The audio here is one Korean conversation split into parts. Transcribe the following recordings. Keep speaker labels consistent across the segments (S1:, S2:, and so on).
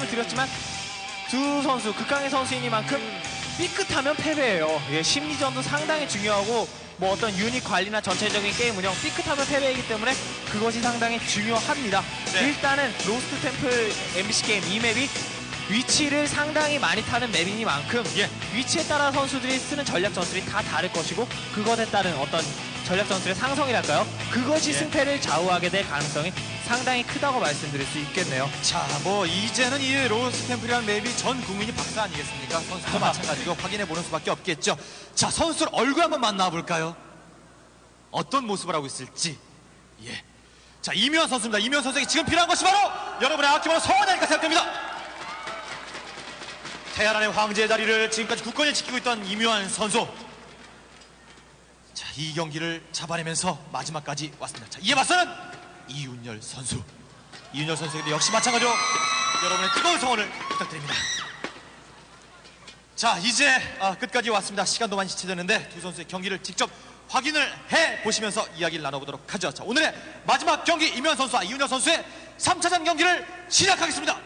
S1: 말씀을 드렸지만 두 선수, 극강의 선수이니만큼 삐끗하면 패배예요. 예, 심리전도 상당히 중요하고 뭐 어떤 유닛 관리나 전체적인 게임 운영, 삐끗하면 패배이기 때문에 그것이 상당히 중요합니다.
S2: 네.
S1: 일단은 로스트 템플 MBC 게임 이 맵이 위치를 상당히 많이 타는 맵이니만큼
S2: 예.
S1: 위치에 따라 선수들이 쓰는 전략 전술이 다 다를 것이고 그것에 따른 어떤 전략 전술의 상성이랄까요? 그것이
S2: 예.
S1: 승패를 좌우하게 될 가능성이 상당히 크다고 말씀드릴 수 있겠네요.
S2: 자, 뭐 이제는 이 로스트 템플이라는 맵이 전 국민이 박사 아니겠습니까? 선수도 마찬가지고 확인해 보는 수밖에 없겠죠. 자, 선수들 얼굴 한번 만나볼까요? 어떤 모습을 하고 있을지. 예. 자, 이묘한 선수입니다. 이묘한 선수에게 지금 필요한 것이 바로 여러분의 아낌없는 성원이 아닐까 생각됩니다. 테헤란의 황제의 자리를 지금까지 굳건히 지키고 있던 이묘한 선수. 자, 이 경기를 잡아내면서 마지막까지 왔습니다. 자, 이에 맞서는 이윤열 선수. 이윤열 선수에게도 역시 마찬가지로 여러분의 뜨거운 성원을 부탁드립니다. 자, 이제 끝까지 왔습니다. 시간도 많이 지체되는데 두 선수의 경기를 직접 확인을 해보시면서 이야기를 나눠보도록 하죠. 자, 오늘의 마지막 경기 이윤열 선수와 이윤열 선수의 3차전 경기를 시작하겠습니다.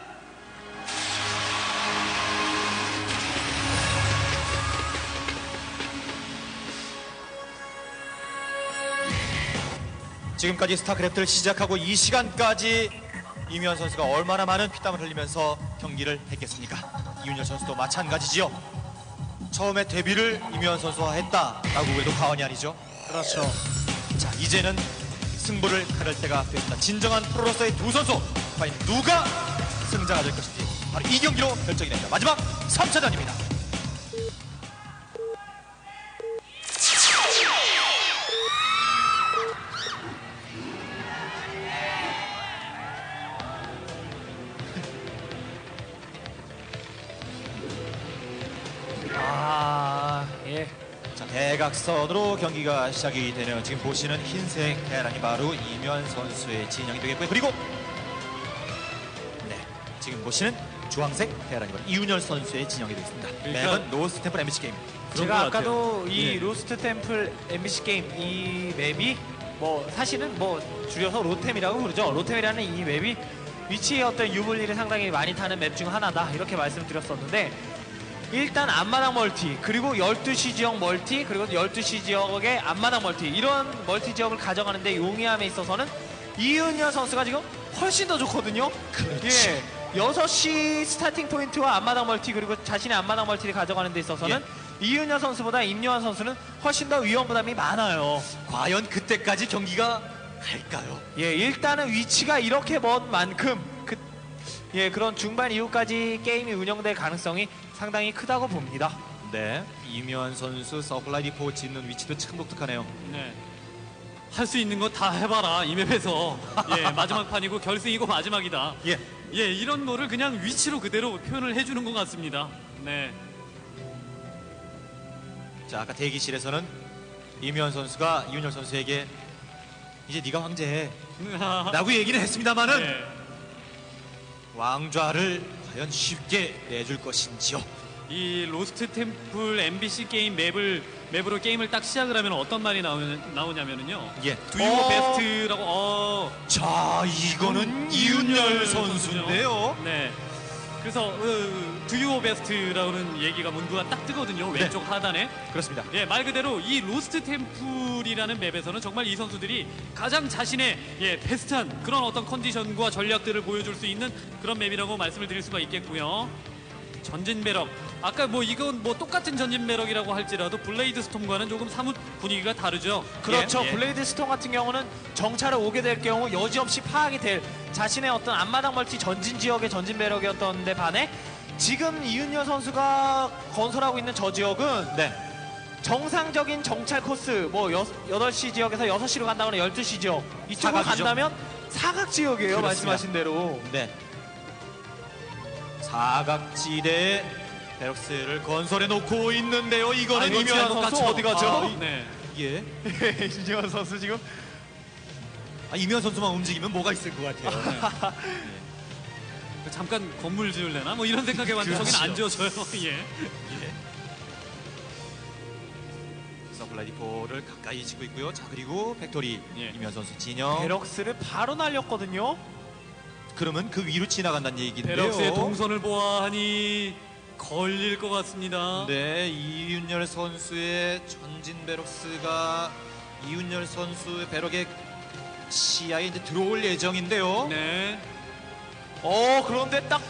S2: 지금까지 스타크래프트를 시작하고 이 시간까지 이윤열 선수가 얼마나 많은 피땀을 흘리면서 경기를 했겠습니까? 이윤열 선수도 마찬가지지요. 처음에 데뷔를 이윤열 선수와 했다라고 해도 과언이 아니죠.
S1: 그렇죠.
S2: 자, 이제는 승부를 가를 때가 됐다. 진정한 프로로서의 두 선수, 과연 누가 승자가 될 것인지 바로 이 경기로 결정이 됩니다. 마지막 3차전입니다.
S1: 예.
S2: 자, 대각선으로 경기가 시작이 되네요. 지금 보시는 흰색 테란이 바로 이면 선수의 진영이 되겠고요. 그리고 네, 지금 보시는 주황색 테란이 바로 이윤열 선수의 진영이 되겠습니다.
S3: 그러니까
S2: 맵은 로스트 템플 MBC 게임.
S1: 제가 아까도 이
S3: 예.
S1: 로스트 템플 MBC 게임 이 맵이 뭐 사실은 뭐 줄여서 로템이라고 부르죠. 로템이라는 이 맵이 위치의 어떤 유불리를 상당히 많이 타는 맵 중 하나다 이렇게 말씀드렸었는데 일단 앞마당 멀티 그리고 12시 지역 멀티 그리고 12시 지역의 앞마당 멀티 이런 멀티 지역을 가져가는데 용이함에 있어서는 이윤열 선수가 지금 훨씬 더 좋거든요.
S2: 그렇지.
S1: 예. 6시 스타팅 포인트와 앞마당 멀티 그리고 자신의 앞마당 멀티를 가져가는 데 있어서는 이윤열 선수보다 임요한 선수는 훨씬 더 위험 부담이 많아요.
S2: 과연 그때까지 경기가 갈까요?
S1: 예, 일단은 위치가 이렇게 먼 만큼 그런 중반 이후까지 게임이 운영될 가능성이 상당히 크다고 봅니다.
S2: 네, 이면 선수 서플라이 디포 짓는 위치도 참 독특하네요.
S3: 네. 할 수 있는 거 다 해봐라 이 맵에서. 예, 마지막 판이고 결승이고 마지막이다.
S2: 예,
S3: 예, 이런 거를 그냥 위치로 그대로 표현을 해주는 것 같습니다. 네.
S2: 자, 아까 대기실에서는 이면 선수가 이윤열 선수에게 이제 네가 황제해 라고 얘기는 했습니다만은
S3: 네.
S2: 왕좌를 과연 쉽게 내줄 것인지요.
S3: 이 로스트 템플 MBC 게임 맵으로 게임을 딱 시작을 하면 어떤 말이 나오냐면은요.
S2: 예.
S3: 두유어 베스트라고.
S2: 자, 이거는 이윤열 선수인데요.
S3: 네. 그래서 두유어 베스트라는 얘기가 문구가 딱 뜨거든요. 왼쪽 하단에.
S2: 그렇습니다.
S3: 예, 말 그대로 이 로스트 템플이라는 맵에서는 정말 이 선수들이 가장 자신의 베스트한 그런 어떤 컨디션과 전략들을 보여줄 수 있는 그런 맵이라고 말씀을 드릴 수가 있겠고요. 전진 배럭. 아까 뭐 이건 뭐 똑같은 전진 배럭이라고 할지라도 블레이드 스톰과는 조금 사뭇 분위기가 다르죠.
S1: 그렇죠.
S3: 예.
S1: 블레이드 스톰 같은 경우는 정찰을 오게 될 경우 여지없이 파악이 될 자신의 어떤 앞마당 멀티 전진 지역의 전진 배럭이었던 데 반해 지금 이윤열 선수가 건설하고 있는 저 지역은
S2: 네.
S1: 정상적인 정찰 코스 뭐 8시 지역에서 6시로 간다거나 12시 지역 이쪽으로
S2: 사각이죠.
S1: 간다면 사각 지역이에요.
S2: 그렇습니다.
S1: 말씀하신 대로.
S2: 네. 사각지대에 베럭스를 건설해 놓고 있는데요. 이거는
S1: 아니,
S2: 이면
S1: 선수 어디 가죠?
S3: 네.
S2: 예.
S1: 이윤열 선수 지금
S2: 이면 선수만 움직이면 뭐가 있을 것 같아요.
S3: 잠깐 건물 지을래나? 뭐 이런 생각해봤는데
S2: 그렇죠.
S3: 저긴 안 지어져요. 예.
S2: 예. 서플라이 디포를 가까이 지고 있고요. 자, 그리고 팩토리
S3: 예.
S2: 이면 선수 진영.
S1: 베럭스를 바로 날렸거든요.
S2: 그러면 그 위로 지나간다는 얘기인데요.
S3: 베럭스의 동선을 보아하니 걸릴 것 같습니다.
S2: 네, 이윤열 선수의 전진 베럭스가 이윤열 선수의 베럭의 시야에 이제 들어올 예정인데요.
S3: 네.
S1: 그런데 딱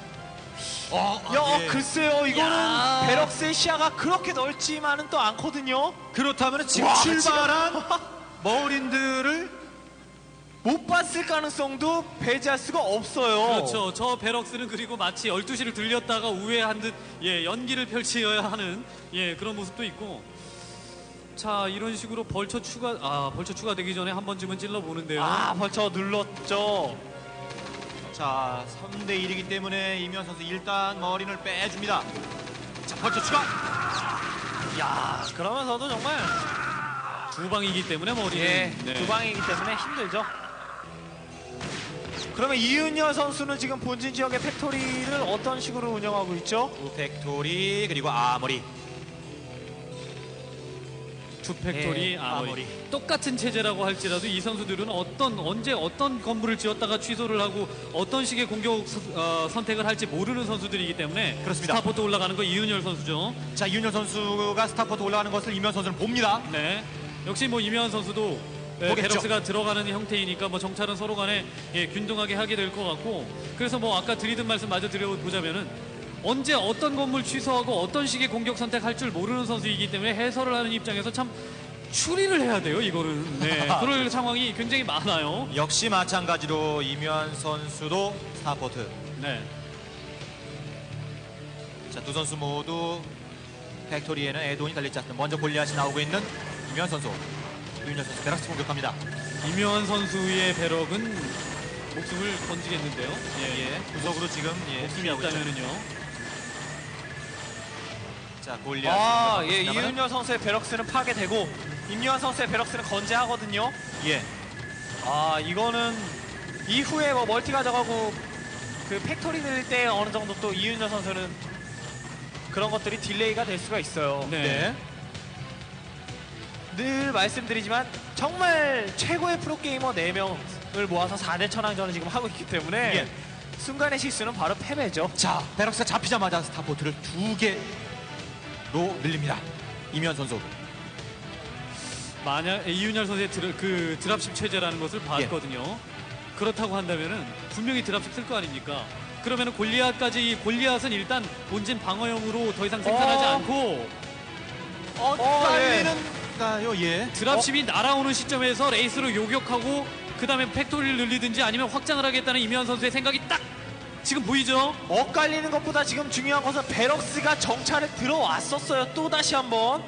S2: 예.
S1: 글쎄요, 이거는
S3: 야.
S1: 베럭스의 시야가 그렇게 넓지만은 또 않거든요.
S2: 그렇다면 지금
S1: 와,
S2: 출발한 머린들을
S1: 못 봤을 가능성도 배제할 수가 없어요.
S3: 그렇죠. 저 베럭스는 그리고 마치 12시를 들렸다가 우회한 듯 연기를 펼쳐야 하는 그런 모습도 있고. 자, 이런 식으로 벌처 추가되기 전에 한 번쯤은 찔러 보는데요.
S1: 벌써 눌렀죠.
S2: 자, 3대 1이기 때문에 이면 선수 일단 머린을 빼줍니다. 자, 벌써 추가.
S1: 야, 그러면서도 정말
S3: 두 방이기 때문에 머리는
S1: 두 방이기 때문에 힘들죠. 그러면 이윤열 선수는 지금 본진 지역의 팩토리를 어떤 식으로 운영하고 있죠?
S2: 팩토리 그리고 아머리.
S3: 투 팩토리
S1: 예,
S3: 아머리. 똑같은 체제라고 할지라도 이 선수들은 언제 어떤 건물을 지었다가 취소를 하고 어떤 식의 공격 선택을 할지 모르는 선수들이기 때문에
S2: 그렇습니다.
S3: 스타포트 올라가는 거 이윤열 선수죠.
S2: 자, 이윤열 선수가 스타포트 올라가는 것을 이면 선수는 봅니다.
S3: 네. 역시 뭐 이면 선수도
S2: 보겠죠.
S3: 베럭스가 들어가는 형태이니까 뭐 정찰은 서로 간에 균등하게 하게 될 것 같고, 그래서 뭐 아까 드리던 말씀 마저 드려보자면은 언제 어떤 건물 취소하고 어떤 식의 공격 선택할 줄 모르는 선수이기 때문에 해설을 하는 입장에서 참 추리를 해야 돼요, 이거는. 네. 그럴 상황이 굉장히 많아요.
S2: 역시 마찬가지로 이면 선수도 스타포트.
S3: 네.
S2: 자, 두 선수 모두 팩토리에는 에돈이 달리지 않습니다. 먼저 골리앗이 나오고 있는 이면 선수. 이윤열 선수 베럭스 공격합니다.
S3: 이면 선수의 배럭은 목숨을 건지겠는데요.
S2: 구석으로 지금
S3: 목숨이
S2: 수비하고 있죠.
S3: 있다면은요.
S2: 자, 골리앗.
S1: 이윤열 선수의 베럭스는 파괴되고 임요한 선수의 베럭스는 건재하거든요.
S2: 예.
S1: 이거는 이후에 뭐 멀티 가져가고 그 팩토리 늘 때 어느 정도 또 이윤열 선수는 그런 것들이 딜레이가 될 수가 있어요.
S3: 네.
S1: 늘 말씀드리지만 정말 최고의 프로게이머 4명을 모아서 4대 천왕전을 지금 하고 있기 때문에
S2: 예.
S1: 순간의 실수는 바로 패배죠.
S2: 자, 베럭스가 잡히자마자 스타포트를 2개로 늘립니다. 이면 선수.
S3: 만약 이윤열 선수의 드랍십 체제라는 것을 봤거든요. 그렇다고 한다면은 분명히 드랍십 쓸 거 아닙니까? 그러면은 골리앗은 일단 본진 방어용으로 더 이상 생산하지 않고
S2: 빨리는가요? 예.
S3: 드랍십이 날아오는 시점에서 레이스로 요격하고 그 다음에 팩토리를 늘리든지 아니면 확장을 하겠다는 이면 선수의 생각이 딱 지금 보이죠?
S1: 엇갈리는 것보다 지금 중요한 것은 베럭스가 정찰에 들어왔었어요. 또 다시 한번.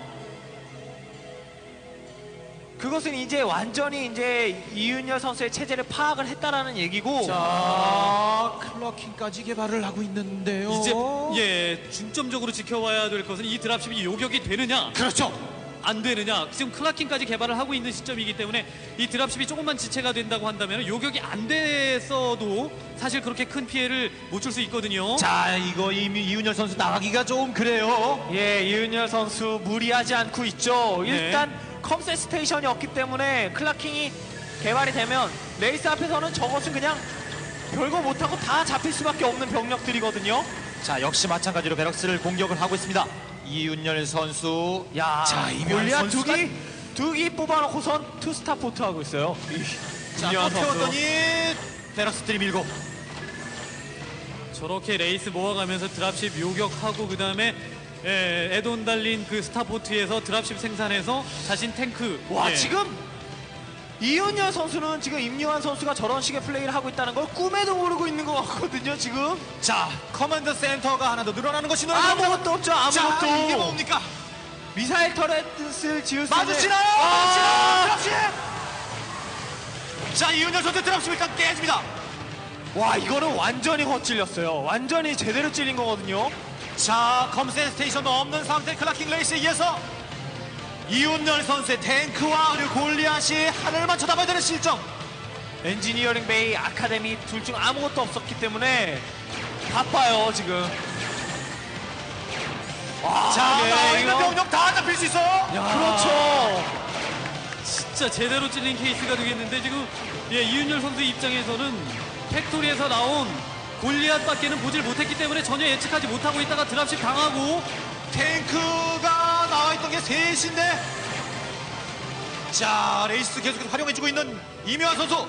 S1: 그것은 이제 완전히 이제 이윤열 선수의 체제를 파악을 했다라는 얘기고.
S2: 자, 클러킹까지 개발을 하고 있는데요.
S3: 이제 중점적으로 지켜봐야 될 것은 이 드랍십이 요격이 되느냐
S2: 그렇죠.
S3: 안 되느냐. 지금 클라킹까지 개발을 하고 있는 시점이기 때문에 이 드랍십이 조금만 지체가 된다고 한다면 요격이 안 됐어도 사실 그렇게 큰 피해를 못 줄 수 있거든요.
S2: 자, 이거 이윤열 선수 나가기가 좀 그래요.
S1: 이윤열 선수 무리하지 않고 있죠.
S3: 네.
S1: 일단 컴셋 스테이션이 없기 때문에 클라킹이 개발이 되면 레이스 앞에서는 저것은 그냥 별거 못하고 다 잡힐 수밖에 없는 병력들이거든요.
S2: 자, 역시 마찬가지로 베럭스를 공격을 하고 있습니다. 이윤열 선수. 자, 이면
S1: 골리앗
S2: 선수가
S1: 두기 뽑아놓고선 투스타 포트 하고 있어요.
S2: 자,
S1: 이윤열
S2: 또
S1: 선수.
S2: 태웠더니 베럭스들이 밀고.
S3: 저렇게 레이스 모아가면서 드랍십 요격하고 그 다음에 에돈 달린 그 스타포트에서 드랍십 생산해서 자신 탱크.
S1: 지금 이윤열 선수는 지금 임요한 선수가 저런 식의 플레이를 하고 있다는 걸 꿈에도 모르고 있는 것 같거든요. 지금
S2: 자, 커맨드 센터가 하나 더 늘어나는 것이
S1: 아무것도 없죠. 아무것도.
S2: 자, 이게 뭡니까?
S1: 미사일 터렛을 지을 수 있는
S2: 마주치나요? 드랍십! 자, 이윤열 선수 드랍십 일단 깨집니다.
S1: 와, 이거는 완전히 헛찔렸어요. 완전히 제대로 찔린 거거든요.
S2: 자, 컴센 스테이션도 없는 상태 클라킹 레이스에 의해서 이윤열 선수의 탱크와 그리고 골리앗이 하늘만 쳐다봐야 되는 실정.
S1: 엔지니어링 베이, 아카데미 둘 중 아무것도 없었기 때문에 바빠요 지금.
S2: 자,
S1: 네,
S2: 나와 있는
S1: 이거.
S2: 병력 다 잡힐 수 있어요.
S1: 그렇죠.
S3: 진짜 제대로 찔린 케이스가 되겠는데 지금 이윤열 선수 입장에서는 팩토리에서 나온 골리앗밖에는 보질 못했기 때문에 전혀 예측하지 못하고 있다가 드랍십 당하고
S2: 탱크가 나와있던 게 셋인데, 자, 레이스 계속해서 활용해주고 있는 이묘한 선수.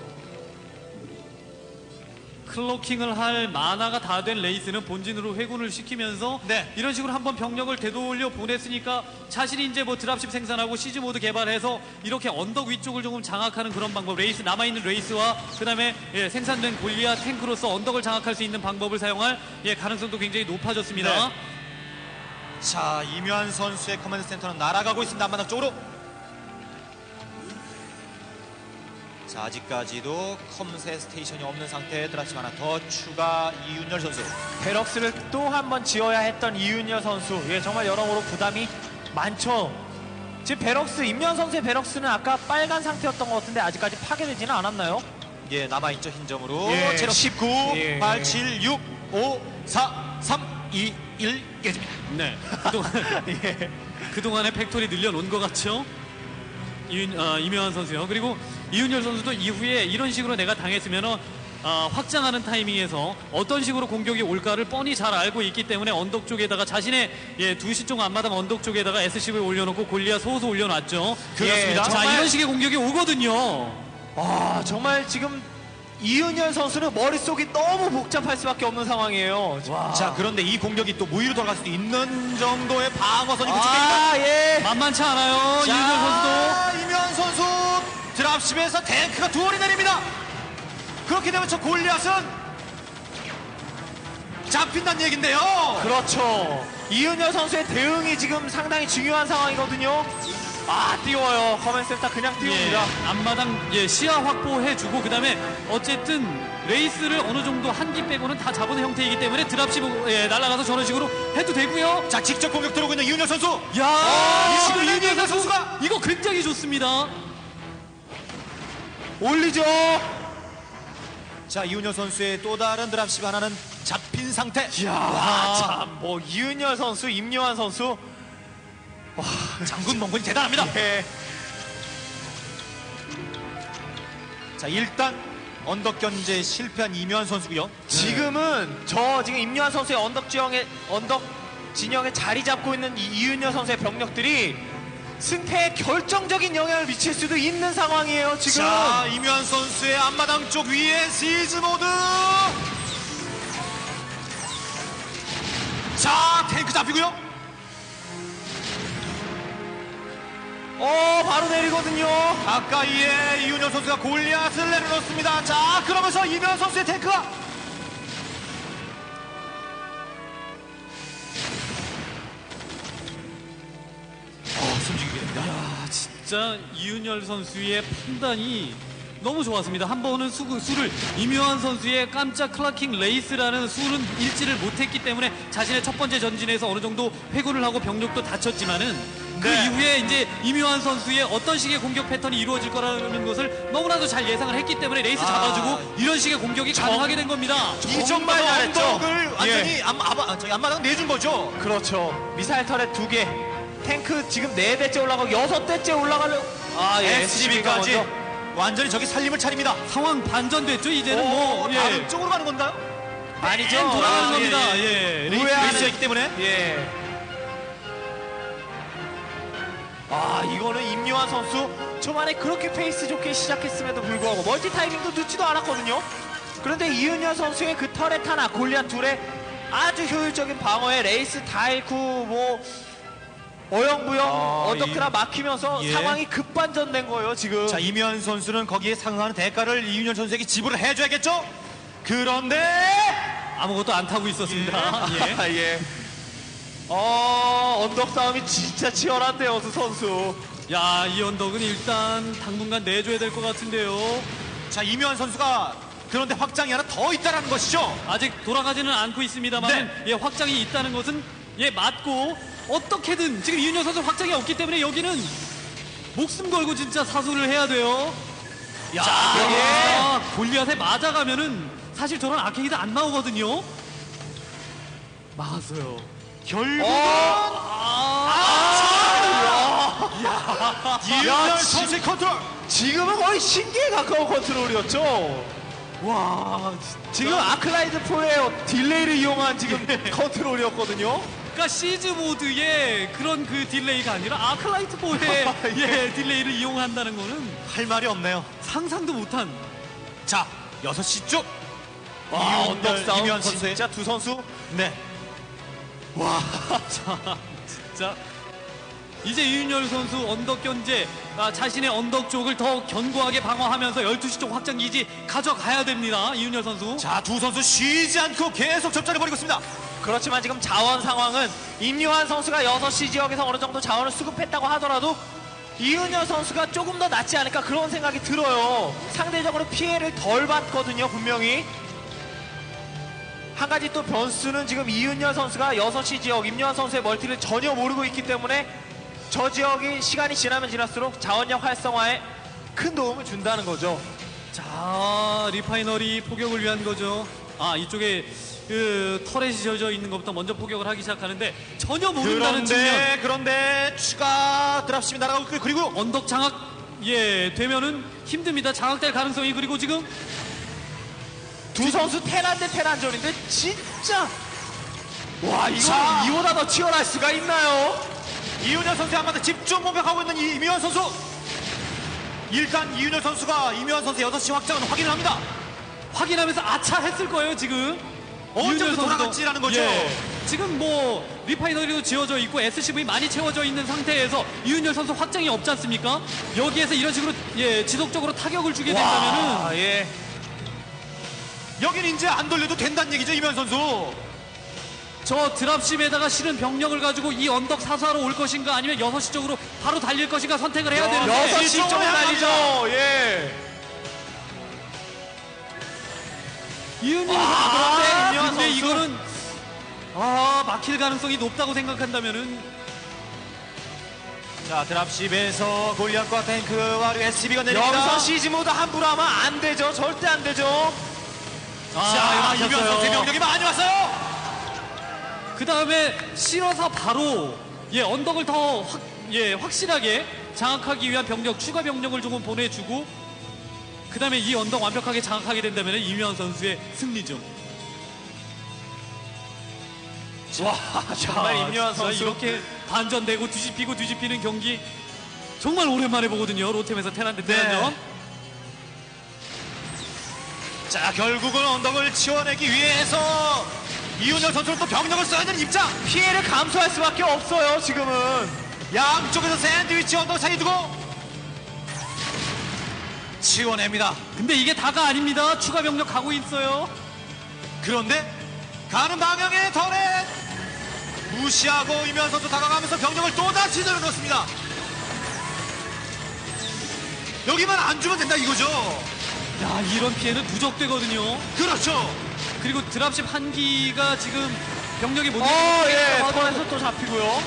S3: 클로킹을 할 마나가 다 된 레이스는 본진으로 회군을 시키면서
S2: 네.
S3: 이런 식으로 한번 병력을 되돌려 보냈으니까 자신이 이제 뭐 드랍십 생산하고 시즈 모드 개발해서 이렇게 언덕 위쪽을 조금 장악하는 그런 방법, 레이스 남아있는 레이스와 그다음에 생산된 골리앗 탱크로서 언덕을 장악할 수 있는 방법을 사용할 가능성도 굉장히 높아졌습니다.
S2: 네. 자, 이묘한 선수의 커맨드 센터는 날아가고 있습니다. 앞마당 쪽으로. 자, 아직까지도 컴셋 스테이션이 없는 상태에 드랍십 하나 더 추가. 이윤열 선수.
S1: 베럭스를 또 한 번 지어야 했던 이윤여 선수. 예, 정말 여러모로 부담이 많죠. 지금 베럭스, 임현 선수의 베럭스는 아까 빨간 상태였던 것 같은데 아직까지 파괴되지는 않았나요?
S2: 예, 남아있죠, 흰 점으로.
S1: 예.
S2: 체력 19,
S1: 예.
S2: 8, 7, 6, 5, 4, 3, 2, 1 깨집니다.
S3: 네. 그동안의 팩토리 늘려놓은 것 같죠? 이명환 선수요. 그리고 이윤열 선수도 이후에 이런 식으로 내가 당했으면 확장하는 타이밍에서 어떤 식으로 공격이 올까를 뻔히 잘 알고 있기 때문에 언덕 쪽에다가 자신의 2시 쪽 앞마당 언덕 쪽에다가 SCV 올려놓고 골리앗 소소 올려놨죠.
S2: 그렇습니다.
S3: 자,
S1: 정말-
S3: 이런 식의 공격이 오거든요.
S1: 아, 정말 지금 이윤열 선수는 머릿속이 너무 복잡할 수밖에 없는 상황이에요. 와.
S2: 자, 그런데 이 공격이 또 무위로 돌아갈 수도 있는 정도의 방어선이 구축되어 있다.
S1: 아, 예.
S3: 만만치 않아요. 이윤열 선수도.
S2: 자, 이묘한 선수 드랍십에서 탱크가 두 월이 내립니다. 그렇게 되면 저 골리앗은 잡힌다는 얘긴데요.
S1: 그렇죠. 이윤열 선수의 대응이 지금 상당히 중요한 상황이거든요. 아, 띄워요. 커맨센터 그냥 띄웁니다.
S3: 앞마당 시야 확보해주고 그다음에 어쨌든 레이스를 어느 정도 한기 빼고는 다 잡은 형태이기 때문에 드랍십 날아가서 저런 식으로 해도 되고요.
S2: 자, 직접 공격 들어오고 있는 이윤열 선수.
S3: 야,
S2: 지금
S3: 이윤열
S2: 이윤열
S3: 선수
S2: 선수가
S3: 이거 굉장히 좋습니다.
S1: 올리죠.
S2: 자, 이윤열 선수의 또 다른 드랍십 하나는 잡힌 상태.
S1: 와, 참, 뭐 이윤열 선수, 임요한 선수.
S2: 장군 멍군이 대단합니다.
S1: 예.
S2: 자, 일단 언덕 견제에 실패한 이묘한 선수고요.
S1: 지금은 지금 임요한 선수의 언덕 진영에 자리 잡고 있는 이윤열 선수의 병력들이 승패에 결정적인 영향을 미칠 수도 있는 상황이에요, 지금.
S2: 자, 이묘한 선수의 앞마당 쪽 위에 시즈 모드. 자, 탱크 잡히고요.
S1: 바로 내리거든요.
S2: 가까이에 이윤열 선수가 골리앗을 내려놓습니다. 자, 그러면서 이묘한 선수의 탱크가 숨지게 됩니다.
S3: 진짜 이윤열 선수의 판단이 너무 좋았습니다. 한 번은 수를 이묘한 선수의 깜짝 클라킹 레이스라는 수는 읽지를 못했기 때문에 자신의 첫 번째 전진에서 어느 정도 회군을 하고 병력도 다쳤지만은 그
S2: 네.
S3: 이후에 이제 이묘한 선수의 어떤 식의 공격 패턴이 이루어질 거라는 것을 너무나도 잘 예상을 했기 때문에 레이스 잡아주고 이런 식의 공격이 가능하게 된 겁니다.
S2: 이
S1: 정말
S2: 정도로
S1: 잘했죠.
S2: 언덕을 완전히 앞마당 내준 거죠.
S1: 그렇죠. 미사일 터렛 2개. 탱크 지금 4대째 올라가고 6대째 올라가려. 아, 예.
S2: SCB까지
S1: 먼저.
S2: 완전히 저기 살림을 차립니다.
S3: 상황 반전됐죠. 이제는 뭐
S2: 다른 쪽으로 가는 건가요?
S1: 아니죠.
S3: 돌아가는
S1: 아,
S3: 겁니다.
S1: 예.
S2: 레이스였기 때문에.
S1: 예. 아, 이거는 임요한 선수 초반에 그렇게 페이스 좋게 시작했음에도 불구하고 멀티 타이밍도 늦지도 않았거든요. 그런데 이윤열 선수의 그 터렛 하나, 골리앗 둘의 아주 효율적인 방어에 레이스 다 잃고 뭐 어영부영 언덕트라 막히면서
S2: 예.
S1: 상황이 급반전된 거예요, 지금.
S2: 자, 이묘한 선수는 거기에 상응하는 대가를 이윤열 선수에게 지불을 해줘야겠죠? 그런데
S3: 아무것도 안 타고 있었습니다. 예.
S1: 아, 예. 언덕 싸움이 진짜 치열한데요, 두 선수.
S3: 야, 이 언덕은 일단 당분간 내줘야 될 것 같은데요.
S2: 자, 이묘한 선수가 그런데 확장이 하나 더 있다는 것이죠.
S3: 아직 돌아가지는 않고 있습니다만 확장이 있다는 것은 맞고 어떻게든 지금 이윤열 선수 확장이 없기 때문에 여기는 목숨 걸고 진짜 사수를 해야 돼요. 야,
S1: 예.
S3: 골리앗에 맞아가면은 사실 저런 아케이드 안 나오거든요. 막았어요.
S2: 결국은 이윤열
S1: 야,
S2: 선수의 컨트롤.
S1: 지금은 거의 신기에 가까운 컨트롤이었죠.
S3: 와,
S1: 지금 아클라이드 프로의 딜레이를 이용한 지금 컨트롤이었거든요.
S3: 그러니까 시즈 모드의 그런 그 딜레이가 아니라 아크라이트 보의 예, 딜레이를 이용한다는 거는
S2: 할 말이 없네요.
S3: 상상도 못한.
S2: 자, 6시 쪽.
S1: 와,
S2: 이윤열,
S1: 언덕 싸움
S2: 이면 선수의
S1: 진짜 두 선수
S2: 네.
S3: 자, 이제 이윤열 선수 언덕 견제, 자신의 언덕 쪽을 더 견고하게 방어하면서 12시 쪽 확장 기지 가져가야 됩니다. 이윤열 선수.
S2: 자, 두 선수 쉬지 않고 계속 접전을 벌이고 있습니다.
S1: 그렇지만 지금 자원 상황은 임요한 선수가 6시 지역에서 어느 정도 자원을 수급했다고 하더라도 이윤열 선수가 조금 더 낫지 않을까 그런 생각이 들어요. 상대적으로 피해를 덜 받거든요, 분명히. 한 가지 또 변수는 지금 이윤열 선수가 6시 지역 임요한 선수의 멀티를 전혀 모르고 있기 때문에 저 지역이 시간이 지나면 지날수록 자원력 활성화에 큰 도움을 준다는 거죠.
S3: 자, 리파이너리 포격을 위한 거죠. 이쪽에 그 터렛이 지어져 있는 것부터 먼저 포격을 하기 시작하는데 전혀 모른다는 측면.
S2: 그런데 추가 드랍십이 날아가고 있고요. 그리고
S3: 언덕 장악 되면은 힘듭니다. 장악될 가능성이. 그리고 지금
S1: 두 선수 테란 대 테란전인데 진짜 와 이거
S2: 자.
S1: 이보다 더 치열할 수가 있나요?
S2: 이윤열 선수의 한마디 집중 공격하고 있는 이묘한 선수. 일단 이윤열 선수가 이묘한 선수의 6시 확장은 확인을 합니다.
S3: 확인하면서 아차 했을 거예요, 지금.
S2: 언제부터
S3: 이윤열 선수도.
S2: 돌아갔지라는 거죠.
S3: 예. 지금 뭐 리파이너리도 지어져 있고 SCV 많이 채워져 있는 상태에서 이윤열 선수 확장이 없지 않습니까? 여기에서 이런 식으로 지속적으로 타격을 주게 된다면은
S1: 예.
S2: 여긴 이제 안 돌려도 된다는 얘기죠, 이묘한 선수.
S3: 저 드랍십에다가 실은 병력을 가지고 이 언덕 사수하러 올 것인가 아니면 6시 쪽으로 바로 달릴 것인가 선택을 해야 되는데
S1: 6시 쪽으로 달리죠. 예.
S3: 이윤열 선수
S1: 그런데
S3: 그런데
S1: 임요한 선수.
S3: 이거는 막힐 가능성이 높다고 생각한다면은
S2: 자, 드랍십에서 골리앗과 탱크와 그리고 SCB가 내립니다.
S1: 여기서 시즈 모드 함부로 하면 안 되죠. 절대 안 되죠.
S2: 자, 이묘한 선수의 병력이 많이 왔어요.
S3: 그 다음에 실어서 바로 언덕을 더 확실하게 장악하기 위한 병력, 추가 병력을 조금 보내주고 그 다음에 이 언덕 완벽하게 장악하게 된다면 이명환 선수의 승리죠.
S1: 와 정말 임요한
S3: 진짜
S1: 선수
S3: 이렇게 반전되고 뒤집히는 경기 정말 오랜만에 보거든요. 로템에서 테란 대 테란전.
S2: 자, 결국은 언덕을 치워내기 위해서 이윤열 선수는 또 병력을 써야 되는 입장.
S1: 피해를 감수할 수밖에 없어요. 지금은
S2: 양쪽에서 샌드위치 언덕 사이 두고 치워냅니다.
S3: 근데 이게 다가 아닙니다. 추가 병력 가고 있어요.
S2: 그런데 가는 방향의 터렛 무시하고 이면 선수 다가가면서 병력을 또다시 늘어놓습니다. 여기만 안 주면 된다 이거죠.
S3: 야, 이런 피해는 누적되거든요.
S2: 그렇죠.
S3: 그리고 드랍십 한 기가 지금 병력이 못
S1: 예,
S3: 내리고
S1: 턴에서 또 잡히고요.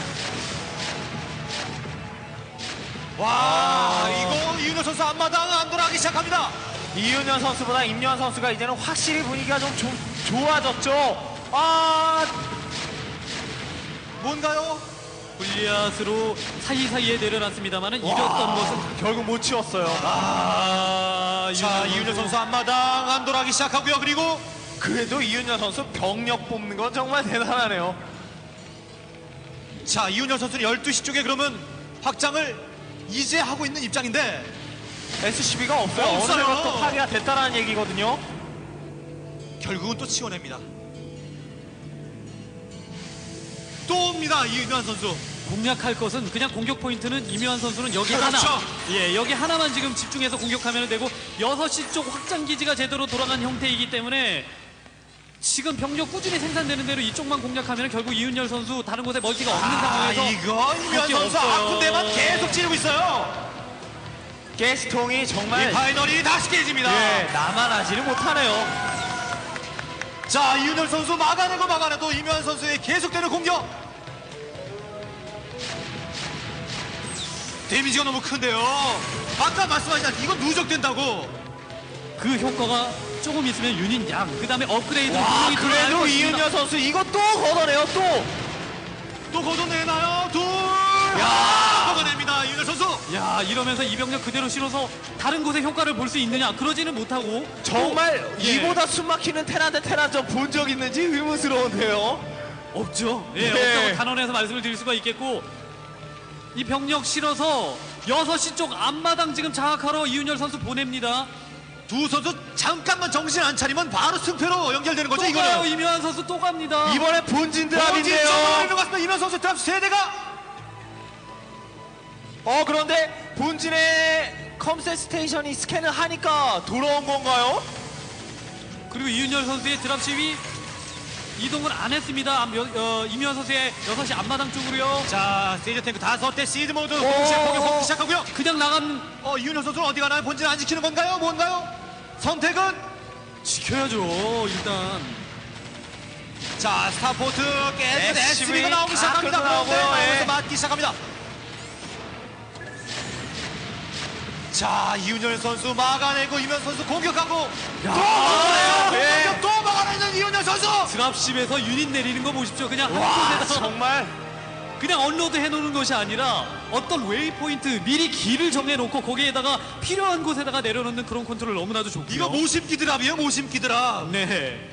S2: 와, 이거 이윤열 선수 앞마당 안 돌아가기 시작합니다.
S1: 이윤현 선수보다 임요한 선수가 이제는 확실히 분위기가 좀 좋아졌죠.
S2: 뭔가요?
S3: 골리앗으로 사이사이에 내려놨습니다만은 이겼던 것은
S1: 결국 못 치웠어요.
S2: 자, 이윤열 선수 앞마당 안 돌아가기 시작하고요. 그리고
S1: 그래도 이윤현 선수 병력 뽑는 건 정말 대단하네요.
S2: 자, 이윤열 선수는 12시 쪽에 그러면 확장을 이제 하고 있는 입장인데
S1: SCB가 없어요. 어느
S2: 없어요.
S1: 정도 또 파괴가 됐다라는 얘기거든요.
S2: 결국은 또 치워냅니다. 또 옵니다, 이윤열 선수.
S3: 공략할 것은 그냥 공격 포인트는 이묘한 선수는 여기
S2: 그렇죠.
S3: 하나. 여기 하나만 지금 집중해서 공격하면 되고 6시 쪽 확장 기지가 제대로 돌아간 형태이기 때문에 지금 병력 꾸준히 생산되는 대로 이쪽만 공략하면 결국 이윤열 선수 다른 곳에 멀티가 없는 상황에서
S2: 이거 이윤열
S3: 할 게
S2: 선수
S3: 없어요.
S2: 아픈 데만 계속 찌르고 있어요.
S1: 가스통이 정말
S2: 이 파이널이 다시 깨집니다.
S1: 나만 하지는 못하네요.
S2: 자, 이윤열 선수 막아내도 이묘한 선수의 계속되는 공격. 데미지가 너무 큰데요. 아까 말씀하신 이거 누적된다고.
S3: 그 효과가 조금 있으면 유닛 양, 그 다음에 업그레이드
S1: 와
S3: 분명히 들어갈
S1: 그래도
S3: 것입니다.
S1: 이윤현 선수 이거 또 걷어내요 또.
S2: 또 걷어내나요? 둘, 먹어냅니다. 이윤열 선수.
S3: 야, 이러면서 이병력 그대로 실어서 다른 곳에 효과를 볼 수 있느냐? 그러지는 못하고
S1: 정말
S3: 또, 예,
S1: 이보다 숨막히는 테란 대 테란전 본 적 있는지 의문스러운데요.
S3: 없죠. 예,
S1: 네.
S3: 없다고 단언해서 말씀을 드릴 수가 있겠고, 이 병력 실어서 6시 쪽 앞마당 지금 장악하러 이윤열 선수 보냅니다.
S2: 두 선수 잠깐만 정신 안 차리면 바로 승패로 연결되는 거죠.
S3: 또 가요.
S2: 이거는.
S3: 이묘한 선수 또 갑니다.
S1: 이번에 본진 드랍인데요.
S2: 본진 것 같습니다. 이면 선수 드랍 세대가.
S1: 그런데 본진의 컴셋 스테이션이 스캔을 하니까 돌아온 건가요?
S3: 그리고 이윤열 선수의 드랍십이 이동을 안 했습니다. 이묘한 선수의 6시 앞마당 쪽으로요.
S2: 자, 세이저 탱크 5대 시드 모드 동시에 공격 시작하고요.
S3: 그냥 나간
S2: 이윤열 선수는 어디 가나요? 본진 안 지키는 건가요? 뭔가요? 선택은?
S3: 지켜야죠. 일단
S2: 자, 스타포트 깨끗
S1: SCV
S2: SCV가 나오기
S1: 다
S2: 시작합니다.
S1: 끌어나오고요.
S2: 그런데
S1: 예.
S2: 나오면서 맞기 시작합니다. 자, 이윤열 선수 막아내고 이면 선수 공격하고 또 막아내요.
S1: 예.
S2: 공격 또 막아내는 이윤열 선수.
S3: 드랍십에서 유닛 내리는 거 보십시오. 그냥 한
S1: 와,
S3: 곳에서
S1: 정말
S3: 그냥 언로드 해놓는 것이 아니라 어떤 웨이포인트 미리 길을 정해놓고 거기에다가 필요한 곳에다가 내려놓는 그런 컨트롤 너무나도 좋고요.
S2: 이거 모심기 드랍이에요. 모심기 드랍.
S3: 네.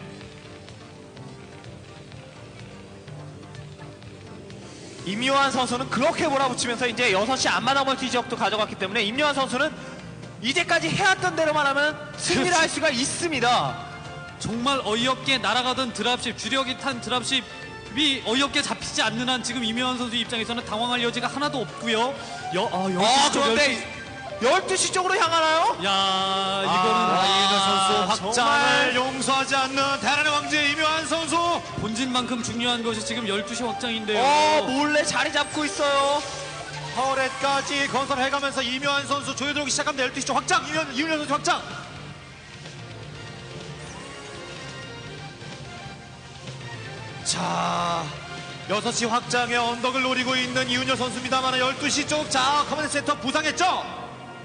S1: 임요한 선수는 그렇게 몰아붙이면서 이제 6시 앞마당 멀티 지역도 가져갔기 때문에 임요한 선수는 이제까지 해왔던 대로만 하면 승리를 할 수가 있습니다.
S3: 정말 어이없게 날아가던 드랍십, 주력이 탄 드랍십이 어이없게 잡히지 않는 한 지금 이묘한 선수 입장에서는 당황할 여지가 하나도 없고요. 여기
S1: 그런데 12시 쪽으로 향하나요?
S3: 야, 이거는
S2: 이윤열 선수 확장을
S1: 정말
S2: 용서하지 않는 대란의 왕제 이묘한 선수.
S3: 본진만큼 중요한 것이 지금 12시 확장인데요.
S1: 몰래 자리 잡고 있어요.
S2: 파워렛까지 건설해가면서 이묘한 선수 조여 들어오기 시작합니다. 12시 쪽 확장. 이윤열 선수 확장. 자, 6시 확장의 언덕을 노리고 있는 이윤열 선수입니다만 12시 쪽, 자, 커맨드 센터 부상했죠?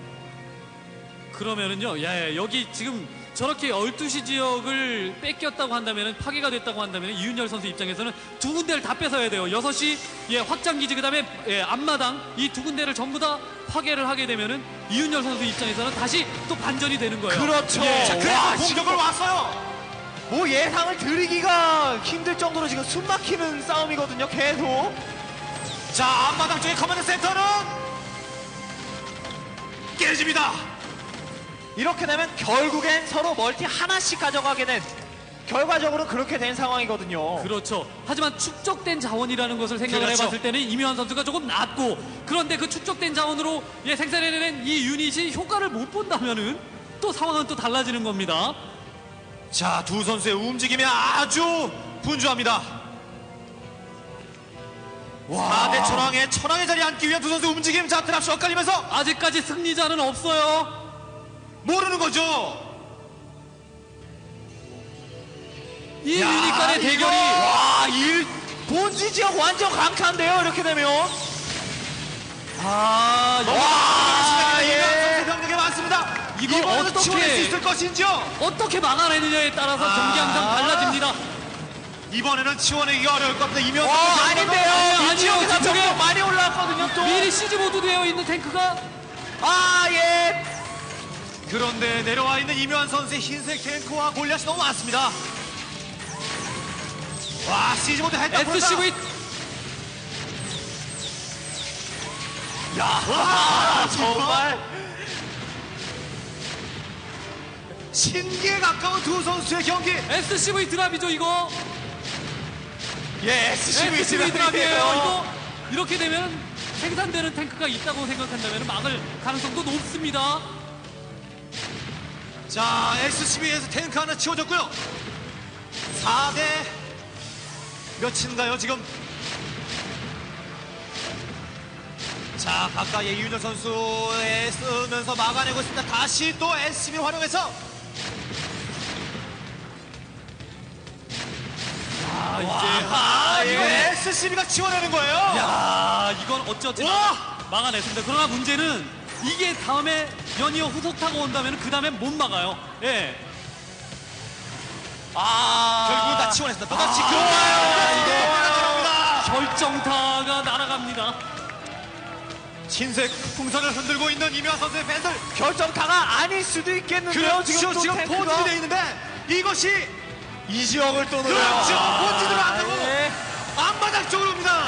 S3: 그러면은요, 여기 지금 저렇게 12시 지역을 뺏겼다고 한다면은, 파괴가 됐다고 한다면 이윤열 선수 입장에서는 두 군데를 다 뺏어야 돼요. 6시 확장기지, 그 다음에 앞마당, 이 두 군데를 전부 다 파괴를 하게 되면은 이윤열 선수 입장에서는 다시 또 반전이 되는 거예요.
S1: 그렇죠.
S2: 자, 그래서
S1: 와,
S2: 공격을 왔어요.
S1: 뭐 예상을 드리기가 힘들 정도로 지금 숨막히는 싸움이거든요. 계속.
S2: 자, 앞마당 쪽의 커맨드 센터는 깨집니다.
S1: 이렇게 되면 결국엔 서로 멀티 하나씩 가져가게 된, 결과적으로 그렇게 된 상황이거든요.
S3: 그렇죠. 하지만 축적된 자원이라는 것을 생각을
S2: 그렇죠.
S3: 해봤을 때는 이묘한 선수가 조금 낮고, 그런데 그 축적된 자원으로 생산해낸 이 유닛이 효과를 못 본다면은 또 상황은 또 달라지는 겁니다.
S2: 자, 두 선수의 움직임이 아주 분주합니다. 4대 천왕의 자리에 앉기 위한 두 선수 움직임. 자, 드랍시 엇갈리면서
S3: 아직까지 승리자는 없어요.
S2: 모르는 거죠.
S3: 이 유닛 간의 대결이
S1: 본지 지역 완전 강타인데요. 이렇게 되면.
S2: 예. 병력이 많습니다.
S3: 이걸
S2: 이번에도
S3: 어떻게-
S2: 치워낼 수 있을 것인지요.
S3: 어떻게 막아내느냐에 따라서 경기 항상 달라집니다.
S2: 이번에는 치워내기가 어려울 겁니다. 이면
S1: 아닌데요.
S3: 아니요,
S1: 이 지역에서
S3: 뒤쪽에
S1: 병력 많이 올라왔거든요. 또.
S3: 미리 시즈 모드 되어 있는 탱크가
S1: 예.
S2: 그런데 내려와 있는 이묘한 선수의 흰색 탱크와 골리앗이 너무 많습니다. 와, 시즈 모드 했다.
S3: SCV
S1: 정말.
S2: 신기에 가까운 두 선수의 경기.
S3: SCV 드랍이죠 이거.
S1: SCV
S3: SCV 드랍이에요.
S1: 드랍이에요.
S3: 이거 이렇게 되면 생산되는 탱크가 있다고 생각한다면 막을 가능성도 높습니다.
S2: 자, SCB에서 탱크 하나 치워졌고요. 4대 몇인가요 지금? 자, 가까이에 이윤열 선수에 쓰면서 막아내고 있습니다. 다시 또 SCB 활용해서 이거 SCB가 치워내는 거예요.
S3: 야, 이건 어찌어찌
S2: 와!
S3: 막아냈습니다. 그러나 문제는 이게 다음에 연이어 후속 타고 온다면 그 다음에 못 막아요. 예.
S2: 결국은 다 치워냈습니다. 또다시
S1: 이거
S2: 들어갑니다.
S3: 결정타가 날아갑니다.
S2: 흰색 풍선을 흔들고 있는 이명환 선수의 팬들.
S1: 결정타가 아닐 수도 있겠는데요.
S2: 그렇죠.
S1: 또
S2: 지금
S1: 탱크가.
S2: 포진이 돼 있는데 이것이
S1: 이 지역을 또 노려요.
S2: 그렇죠. 본진으로 안 가고
S1: 예.
S2: 앞바닥 쪽으로 옵니다.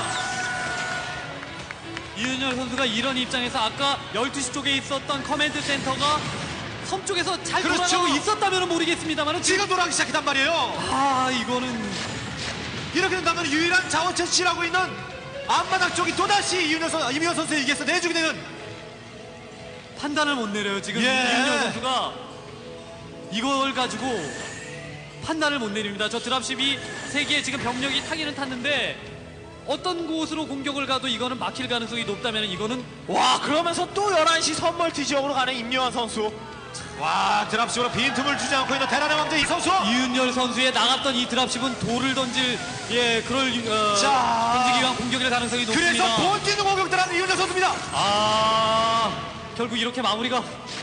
S3: 이윤열 선수가 이런 입장에서 아까 12시 쪽에 있었던 커맨드 센터가 섬 쪽에서 잘
S2: 그렇죠.
S3: 돌아가고 있었다면 모르겠습니다만
S2: 지금 돌아가기 시작했단 말이에요.
S3: 아 이거는
S2: 이렇게 된다면 유일한 자원 채취하고 있는 앞바닥 쪽이 또다시 이민현 선수에게서 내주게 되는.
S3: 판단을 못 내려요. 지금
S2: 예.
S3: 이윤열 선수가 이걸 가지고 판단을 못 내립니다. 저 드랍십이 3개의 지금 병력이 타기는 탔는데 어떤 곳으로 공격을 가도 이거는 막힐 가능성이 높다면 이거는
S1: 와, 그러면서 또 11시 선멀티 지역으로 가는 임요환 선수.
S2: 와, 드랍식으로 빈틈을 주지 않고 있는 대란의 왕자 이 선수.
S3: 이윤열 선수의 나갔던 이 드랍십은 돌을 던질 그럴
S2: 자.
S3: 던지기 위한 공격일 가능성이 높습니다.
S2: 그래서 본진 공격들하는 이윤재 선수입니다.
S3: 결국 이렇게 마무리가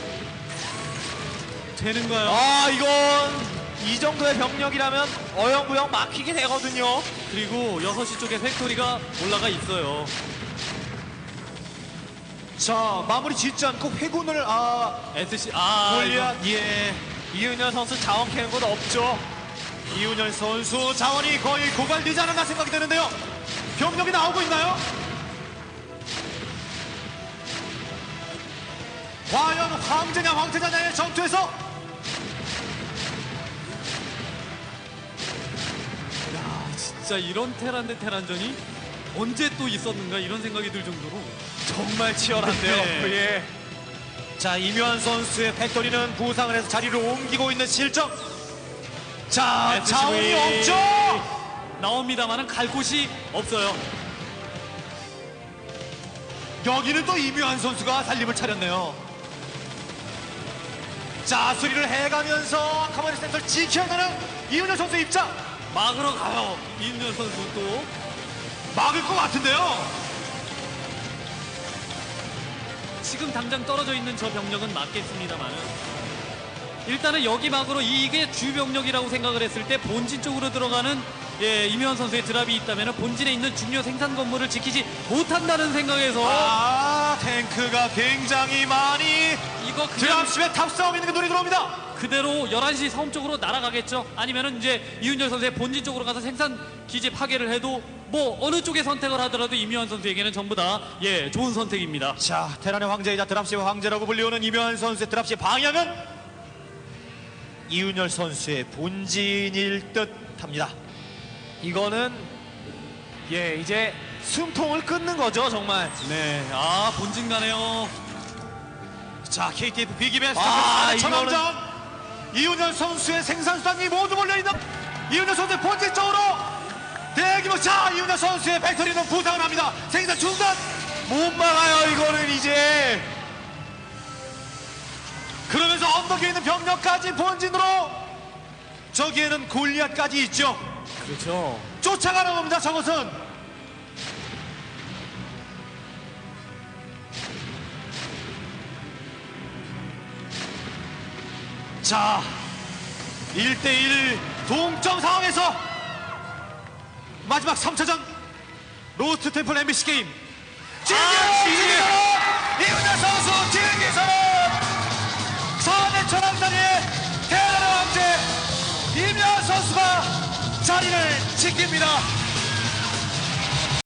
S3: 되는가요?
S1: 이건 이 정도의 병력이라면 어영부영 막히게 되거든요.
S3: 그리고 6시 쪽에 팩토리가 올라가 있어요.
S2: 자, 마무리 짓지 않고 회군을
S3: SC
S2: 골리앗. 예.
S1: 이윤현 선수 자원 캐는 건 없죠.
S2: 이윤열 선수 자원이 거의 고갈되지 않았나 생각이 되는데요. 병력이 나오고 있나요? 과연 황제냐 황태자냐의 전투에서
S3: 진짜 이런 테란 대 테란전이 언제 또 있었는가 이런 생각이 들 정도로
S1: 정말 치열한데요.
S3: 네.
S1: 예.
S2: 자, 이묘한 선수의 팩토리는 부상을 해서 자리를 옮기고 있는 실정. 자,
S3: SCV.
S2: 자원이 없죠.
S3: 나옵니다만은 갈 곳이 없어요.
S2: 여기는 또 이묘한 선수가 살림을 차렸네요. 자, 수리를 해가면서 카마리 센터를 지켜가는 이윤열 선수의 입장.
S3: 막으러 가요. 이윤열 선수 또
S2: 막을 것 같은데요.
S3: 지금 당장 떨어져 있는 저 병력은 맞겠습니다만은 일단은 여기 막으로 이게 주 병력이라고 생각을 했을 때 본진 쪽으로 들어가는 이명환 선수의 드랍이 있다면 본진에 있는 중요 생산 건물을 지키지 못한다는 생각에서
S2: 탱크가 굉장히 많이
S3: 이거 그냥
S2: 드랍십에 탑싸움 있는 게 눈에 들어옵니다.
S3: 그대로 11시 섬 쪽으로 날아가겠죠. 아니면은 이제 이윤열 선수의 본진 쪽으로 가서 생산 기지 파괴를 해도 뭐 어느 쪽에 선택을 하더라도 이명환 선수에게는 전부 다 좋은 선택입니다.
S2: 자, 테란의 황제이자 드랍십의 황제라고 불리우는 이묘한 선수의 드랍십 방향은 이윤열 선수의 본진일 듯합니다.
S1: 이거는 이제 숨통을 끊는 거죠, 정말.
S3: 네, 본진 가네요.
S2: 자, KTF 비기베스트
S1: 이거는-
S2: 천왕전 이윤열 선수의 생산수단이 모두 몰려있는 이윤열 선수의 본진 쪽으로 대규모. 자, 이윤열 선수의 팩토리는 부상을 합니다. 생산 중단.
S1: 못 막아요, 이거는 이제.
S2: 그러면서 언덕에 있는 병력까지 본진으로. 저기에는 골리앗까지 있죠.
S1: 그렇죠.
S2: 쫓아가는 겁니다. 저것은. 자, 1대1 동점 상황에서 마지막 3차전 로스트 템플 MBC 게임 이윤열 선수 진기선언. 4대 천왕전의 대단한 왕제 이명환 선수가 자리를 지킵니다.